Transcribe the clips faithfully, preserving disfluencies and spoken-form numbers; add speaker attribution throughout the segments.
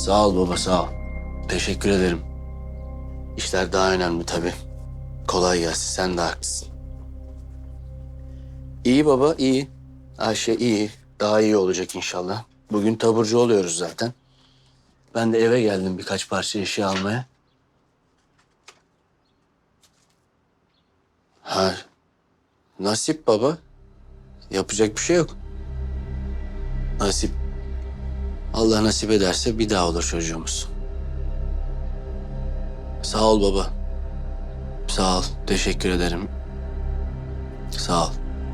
Speaker 1: Sağ ol baba, sağ ol. Teşekkür ederim. İşler daha önemli tabii. Kolay gelsin, sen de haklısın. İyi baba, iyi. Ayşe iyi. Daha iyi olacak inşallah. Bugün taburcu oluyoruz zaten. Ben de eve geldim birkaç parça eşya almaya. Ha, nasip baba. Yapacak bir şey yok. Nasip. Allah nasip ederse bir daha olur çocuğumuz. Sağ ol baba. Sağ ol. Teşekkür ederim. Sağ ol.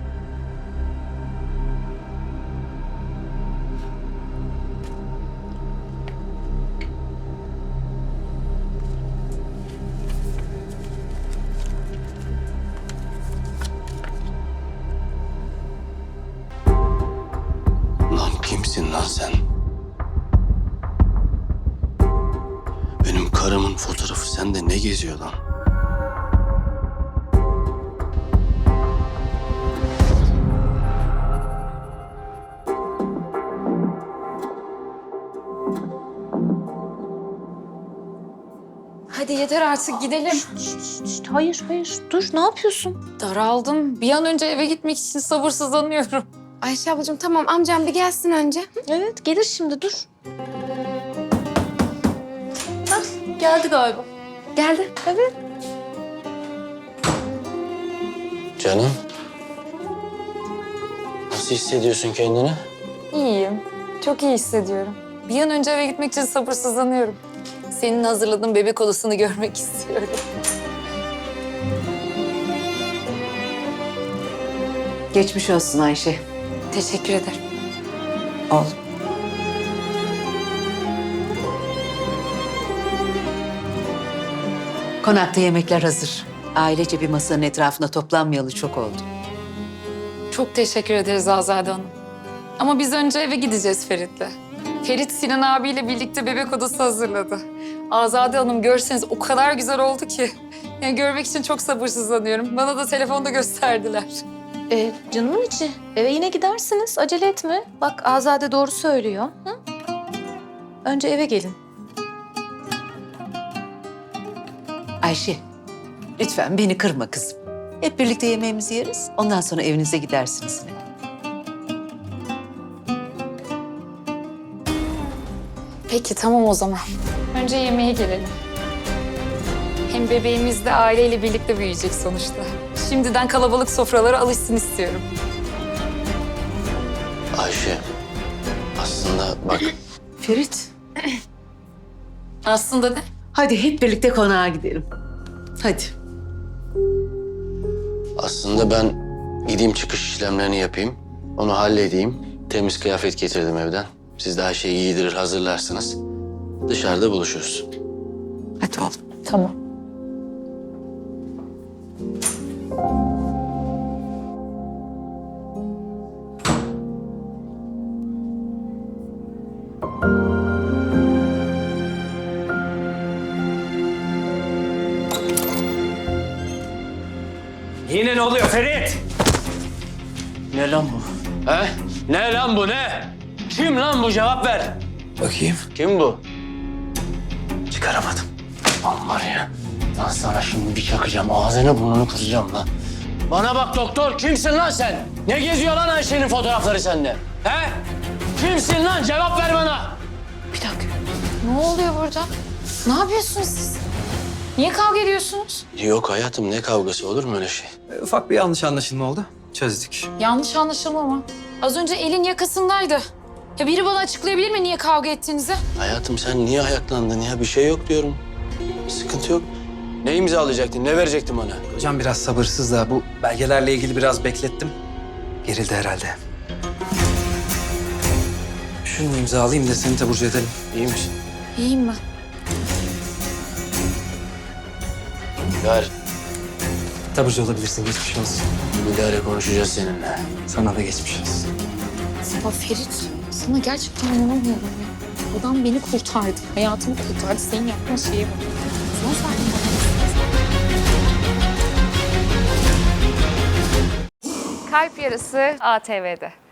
Speaker 1: Lan kimsin lan sen? Benim karımın fotoğrafı sende ne geziyor lan?
Speaker 2: Hadi yeter artık gidelim.
Speaker 3: Şişt, şişt, hayır hayır dur ne yapıyorsun?
Speaker 2: Daraldım. Bir an önce eve gitmek için sabırsızlanıyorum.
Speaker 4: Ayşe ablacığım tamam amcam bir gelsin önce.
Speaker 3: Evet gelir şimdi dur.
Speaker 2: Geldi galiba.
Speaker 3: Geldi. Evet.
Speaker 1: Canım. Nasıl hissediyorsun kendini?
Speaker 2: İyiyim. Çok iyi hissediyorum. Bir an önce eve gitmek için sabırsızlanıyorum. Senin hazırladığın bebek odasını görmek istiyorum.
Speaker 3: Geçmiş olsun Ayşe.
Speaker 2: Teşekkür ederim.
Speaker 3: Oğlum. Konakta yemekler hazır. Ailece bir masanın etrafında toplanmayalı çok oldu.
Speaker 2: Çok teşekkür ederiz Azade Hanım. Ama biz önce eve gideceğiz Ferit'le. Ferit Sinan abiyle birlikte bebek odası hazırladı. Azade Hanım görseniz o kadar güzel oldu ki. Yani görmek için çok sabırsızlanıyorum. Bana da telefonda gösterdiler.
Speaker 5: Ee, canımın içi. Eve yine gidersiniz. Acele etme. Bak Azade doğru söylüyor. Hı? Önce eve gelin.
Speaker 3: Ayşe, lütfen beni kırma kızım. Hep birlikte yemeğimizi yeriz. Ondan sonra evinize gidersiniz.
Speaker 2: Peki tamam o zaman. Önce yemeğe gelelim. Hem bebeğimiz de aileyle birlikte büyüyecek sonuçta. Şimdiden kalabalık sofralara alışsın istiyorum.
Speaker 1: Ayşe. Aslında bak.
Speaker 3: Ferit,
Speaker 2: Aslında ne?
Speaker 3: hadi hep birlikte konağa gidelim. Hadi.
Speaker 1: Aslında ben gideyim çıkış işlemlerini yapayım. Onu halledeyim. Temiz kıyafet getirdim evden. Siz de her şeyi giydirir hazırlarsınız. Dışarıda buluşuruz.
Speaker 3: Hadi oğlum.
Speaker 2: Tamam.
Speaker 6: Yine ne oluyor Ferit?
Speaker 1: Ne lan bu? He? Ne lan bu ne? Kim lan bu, cevap ver.
Speaker 6: Bakayım.
Speaker 1: Kim bu? Çıkaramadım. Lan var ya. Lan sana şimdi bir çakacağım. Ağzını burnunu kıracağım lan. Bana bak doktor. Kimsin lan sen? Ne geziyor lan Ayşe'nin fotoğrafları sende? He? Kimsin lan? Cevap ver bana.
Speaker 2: Bir dakika. Ne oluyor burada? Ne yapıyorsunuz siz? Niye kavga ediyorsunuz?
Speaker 1: Yok hayatım, ne kavgası, olur mu öyle şey?
Speaker 6: Ufak bir yanlış anlaşılma oldu. Çözdük.
Speaker 2: Yanlış anlaşılma mı? Az önce elin yakasındaydı. Ya biri bana açıklayabilir mi niye kavga ettiğinizi?
Speaker 1: Hayatım sen niye ayaklandın ya? Bir şey yok diyorum. Sıkıntı yok. Ne imzalayacaktın? Ne verecektin bana?
Speaker 6: Hocam biraz sabırsız da bu belgelerle ilgili biraz beklettim. Gerildi herhalde. Şunu imzalayayım da seni taburcu edelim.
Speaker 1: İyi misin?
Speaker 2: İyiyim ben.
Speaker 1: Ver.
Speaker 6: Taburcu olabilirsin, geçmiş olsun.
Speaker 1: Bir daha konuşacağız seninle.
Speaker 6: Sana da geçmiş olsun.
Speaker 2: Ya Ferit, sana gerçekten inanamıyorum ya. Adam beni kurtardı, hayatımı kurtardı. Senin yaptığın şeye bak. Son saniye.
Speaker 7: Kalp Yarısı A T V'de.